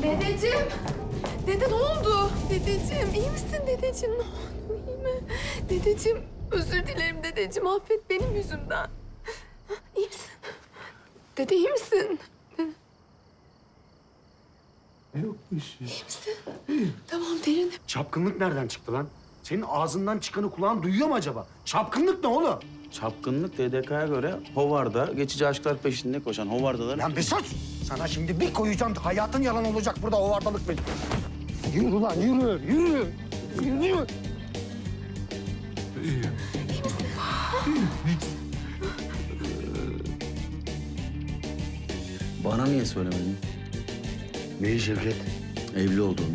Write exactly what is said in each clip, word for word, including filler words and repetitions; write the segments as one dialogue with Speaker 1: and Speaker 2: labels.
Speaker 1: Dedeciğim. Dede ne oldu? Dedeciğim iyi misin dedeciğim? Ne oldu iyi mi? Dedeciğim özür dilerim dedeciğim. Affet benim yüzümden. İyi misin? Dede iyi misin?
Speaker 2: Yok bir şey.
Speaker 1: İyi misin? Tamam derin.
Speaker 3: Çapkınlık nereden çıktı lan? Senin ağzından çıkanı kulağın duyuyor mu acaba? Çapkınlık ne oğlum?
Speaker 4: Çapkınlık D D K'ya göre Hovarda geçici aşklar peşinde koşan Hovardaların...
Speaker 3: Lan bir sus! Sana şimdi bir koyacağım. Hayatın yalan olacak burada o vardalık benim. Yürü lan yürü, yürü. Yürü.
Speaker 2: İyi.
Speaker 4: Bana niye söylemedin
Speaker 3: Neyi Şevket?
Speaker 4: evli olduğunu?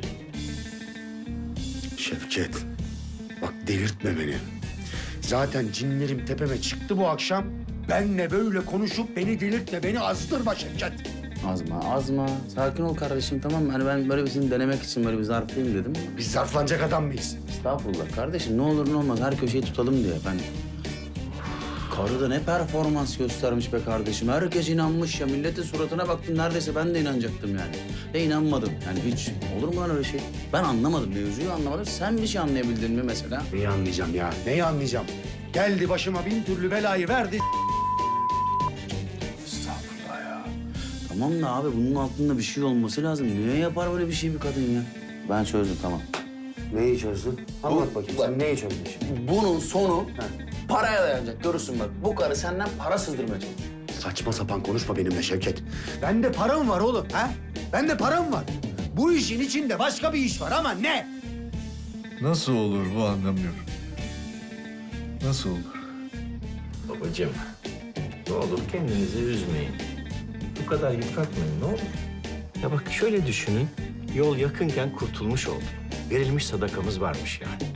Speaker 3: Şevket, bak delirtme beni. Zaten cinlerim tepeme çıktı bu akşam. Benle böyle konuşup beni delirtme, beni azdırma Şevket.
Speaker 4: Azma, azma. Sakin ol kardeşim, tamam mı? Hani ben böyle bir seni denemek için böyle bir zarflayayım dedim.
Speaker 3: Biz zarflanacak adam mıyız?
Speaker 4: Estağfurullah kardeşim, ne olur ne olmaz her köşeyi tutalım diye ben... Karı da ne performans göstermiş be kardeşim. Herkes inanmış ya. Milletin suratına baktım neredeyse ben de inanacaktım yani. Ve inanmadım. Yani hiç olur mu lan öyle şey? Ben anlamadım, mevzuyu anlamadım. Sen bir şey anlayabildin mi mesela?
Speaker 3: Neyi anlayacağım ya? Neyi anlayacağım? Geldi başıma bin türlü belayı verdi.
Speaker 4: Estağfurullah ya. Tamam da abi bunun altında bir şey olması lazım. Niye yapar böyle bir şey bir kadın ya? Ben çözdüm tamam.
Speaker 3: Neyi çözdün? Anlat bakayım sen neyi çözdün şimdi?
Speaker 4: Bunun sonu paraya dayanacak. Görürsün bak. Bu karı senden para sızdırmaya çalışıyor.
Speaker 3: Saçma sapan konuşma benimle Şevket. Bende param var oğlum ha? Bende param var. Bu işin içinde başka bir iş var ama ne?
Speaker 2: Nasıl olur bu anlamıyorum. Nasıl olur?
Speaker 5: Babacığım, ne olur kendinizi üzmeyin. Bu kadar yıpratmayın, ne olur. Ya bak şöyle düşünün, yol yakınken kurtulmuş olduk. Verilmiş sadakamız varmış yani.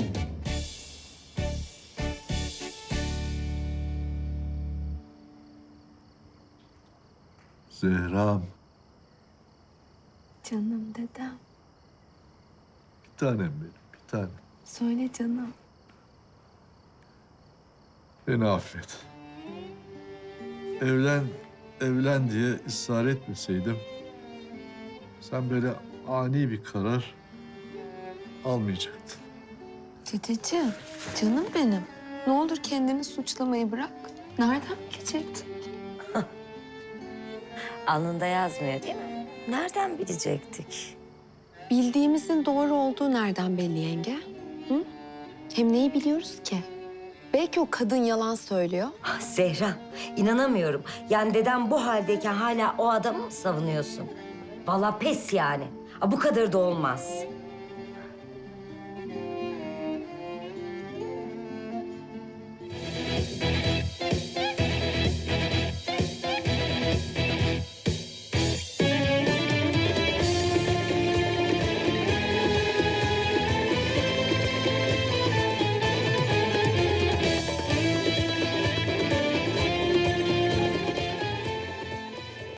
Speaker 2: Zehra'm,
Speaker 1: Canım dedem.
Speaker 2: bir tanem benim, bir tanem.
Speaker 1: Söyle canım.
Speaker 2: Beni affet. Evlen, evlen diye ısrar etmeseydim... sen böyle ani bir karar almayacaktın.
Speaker 1: Dedeciğim canım benim. Ne olur kendini suçlamayı bırak. Nereden bilecektin?
Speaker 6: Alnında yazmıyor değil mi? Nereden bilecektik?
Speaker 1: Bildiğimizin doğru olduğu nereden belli yenge? Hı? Hem neyi biliyoruz ki? Belki o kadın yalan söylüyor.
Speaker 6: Ah Zehra, inanamıyorum. Yani dedem bu haldeyken hala o adamı mı savunuyorsun? Vallahi pes yani. Ah, bu kadar da olmaz.